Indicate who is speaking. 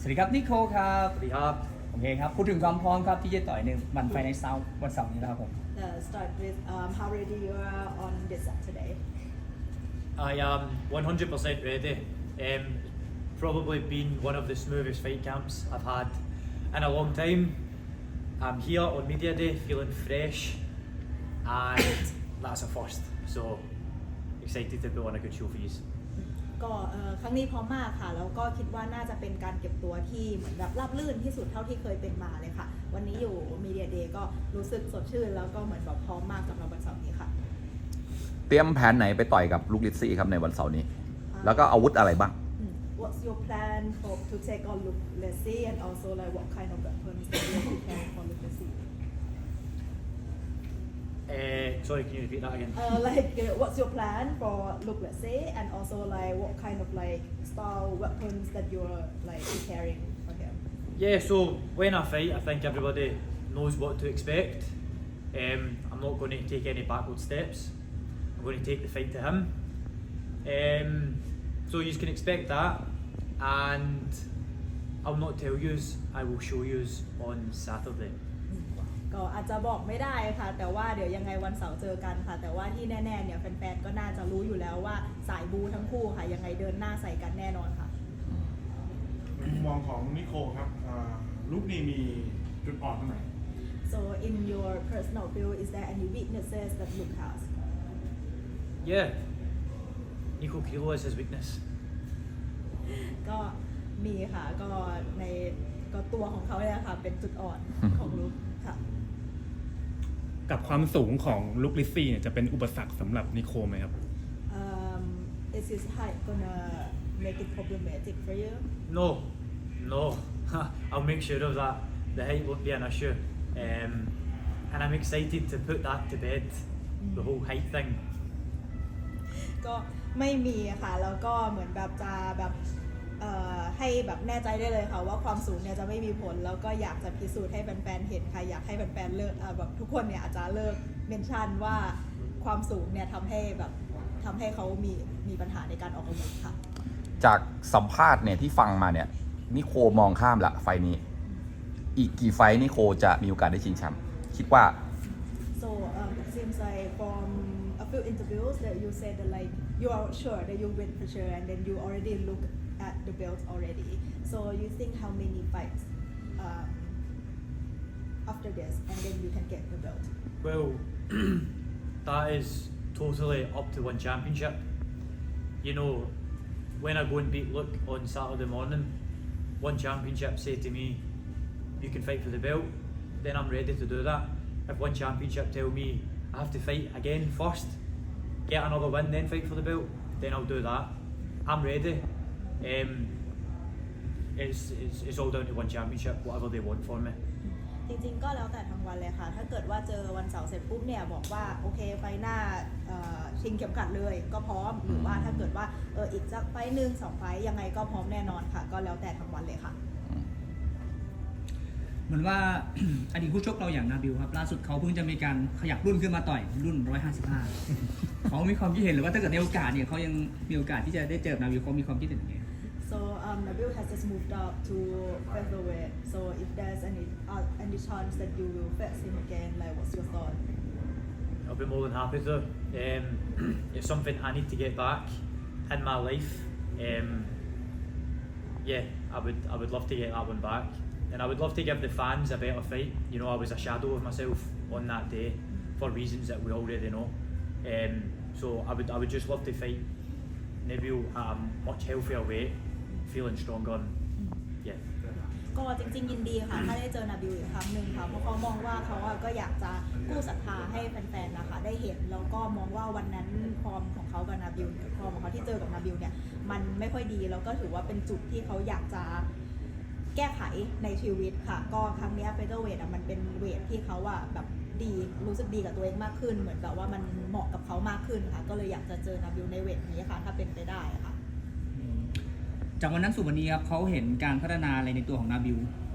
Speaker 1: วัสดีครับนิโคครับ
Speaker 2: สวัสดีครับ
Speaker 1: โอเคครับพูดถึงความพร้อมครับที่จะต่อยในวันไฟในเสาร์วันเสาร์นี้นะครับผม
Speaker 3: Start with how ready you are on this Saturday.
Speaker 2: I am 100% ready. Probably been one of the smoothest fight camps I've had in a long time. I'm here on media day feeling fresh and that's a first. So excited to put on a good show for you.
Speaker 3: ก็ครั้งนี้พร้อมมากค่ะแล้วก็คิดว่าน่าจะเป็นการเก็บตัวที่เหมือนแบบราบรื่นที่สุดเท่าที่เคยเป็นมาเลยค่ะวันนี้อยู่ Media Day ก็รู้สึกสดชื่นแล้วก็เหมือนแบบพร้อมมากสำหรับวันเสาร์นี้ค่ะ
Speaker 4: เตรียมแผนไหนไปต่อยกับลูกลิซซี่ครับในวันเสาร์นี้ แล้วก็อาวุธอะไรบ้าง
Speaker 3: What's your plan for to take on Luke Leslie and also like what kind of weapons that you prepare for Luke Leslie?
Speaker 2: Sorry, can you repeat that again?
Speaker 3: What's your plan for Luke Leslie and also like what kind of like style weapons that you're like preparing for him?
Speaker 2: Yeah, so when I fight, I think everybody knows what to expect. I'm not going to take any backward steps. I'm going to take the fight to him. So you can expect that, and I'll not tell you. I will show you on Saturday.
Speaker 3: ก็อาจจะบอกไม่ได้ค่ะแต่ว่าเดี๋ยวยังไงวันเสาร์เจอกันค่ะแต่ว่าที่แน่ๆเนี่ยแฟนๆก็น่าจะรู้อยู่แล้วว่าสายบูทั้งคู่ค่ะยังไงเดินหน้าใส่กันแน่นอนค่ะ
Speaker 5: ในมุมมองของนิโคครับลูกนี้มีจุดอ่อนตรงไหน
Speaker 3: So in your personal view is there any weaknesses that Luke has
Speaker 2: Yeah, Nico Kilo is his weakness.
Speaker 3: ก็มีค่ะก็ในก็ตัวของเขาเนี่ยค่ะเป็นจุดอ่อนของลุคค่ะ
Speaker 6: กับความสูงของลุคลิซซี่เนี่ยจะเป็นอุปสรรคสำหรับนิโคไหมครับ
Speaker 3: Is his height gonna make it problematic for you
Speaker 2: No, no. I'll make sure of that. The height won't be an issue. And I'm excited to put that to bed. The whole height thing.
Speaker 3: ก็ไม่มีค่ะแล้วก็เหมือนแบบจะแบบให้แบบแน่ใจได้เลยค่ะว่าความสูงเนี่ยจะไม่มีผลแล้วก็อยากจะพิสูจน์ให้แฟนๆเห็นค่ะอยากให้แฟนๆเลิกแบบทุกคนเนี่ยอาจจะเลิกเมนชั่นว่าความสูงเนี่ยทำให้เขามีปัญหาในการออกอาวุธค่ะ
Speaker 4: จากสัมภาษณ์เนี่ยที่ฟังมาเนี่ยนิโคมองข้ามละไฟนี้ อีกกี่ไฟนิโคจะมีโอกาสได้ชิงแชมป์คิดว่า
Speaker 3: so it seems like from a few interviews that you said that like you are sure that you win for sure and then you already look at the belt already so you think how many fights after this and then you can get the belt
Speaker 2: Well, that is totally up to one championship. You know, when I go and beat Luke on Saturday morning, one championship say to me, you can fight for the belt, then I'm ready to do that. If one championship tell me I have to fight again first, get another win, then fight for the belt, then I'll do that. I'm ready. It's all down to one championship, whatever they want for me.
Speaker 3: จริงๆก็แล้วแต่ทั้งวันเลยค่ะถ้าเกิดว่าเจอวันเสาร์เสร็จปุ๊บเนี่ยบอกว่าโอเคไฟหน้าชิงเข็มขัดเลยก็พร้อมหรือว่าถ้าเกิดว่าอีกสักไฟหนึ่ง2ไฟยังไงก็พร้อมแน่นอนค่ะก็แล้วแต่ทั้งวันเลยค่ะ
Speaker 1: เหมือนว่า อดีตคู่ชกเราอย่างนาบิลครับล่าสุดเขาเพิ่งจะมีการขยับรุ่นขึ้นมาต่อยรุ่น 155 เขามีความคิดเห็นหรือว่าถ้าเกิดในโอกาสเนี่ยเขายังมีโอกาสที่จะได้เจอนาบิลเขามีความคิดเห็นยังไง
Speaker 3: So Nabil has just moved up to featherweight. So if there's any chance that you will face him again, like what's your thought?
Speaker 2: I'll be more than happy to. It's something I need to get back in my life. Yeah, I would love to get that one back, and I would love to give the fans a better fight. You know, I was a shadow of myself on that day for reasons that we already know. So I would just love to fight Nabil at a much healthier weight, feeling stronger. And, yeah.
Speaker 3: ก็จริงๆยินดีค่ะถ้าได้เจอนาบิลอีกครั้งหนึ่งค่ะเพราะเขามองว่าเขาก็อยากจะกู้ศรัทธาให้แฟนๆนะคะได้เห็นแล้วก็มองว่าวันนั้นฟอร์มของเขากับนาบิลฟอร์มของเขาที่เจอกับนาบิลเนี่ยมันไม่ค่อยดีแล้วก็ถือว่าเป็นจุดที่เขาอยากจะแก้ไขในชีวิตค่ะก็ครั้งนี้เฟเธอร์เวทมันเป็นเวทที่เขาแบบดีรู้สึกดีกับตัวเองมากขึ้นเหมือนแบบว่ามันเหมาะกับเขามากขึ้นค่ะก็เลยอยากจะเจอนาบิลในเวทนี้ค่ะถ้าเป็นไปได้ค่ะ
Speaker 1: จากวันนั้นสู่วันนี้ครับเขาเห็นการพัฒนาอะไรในตัวของนาบิล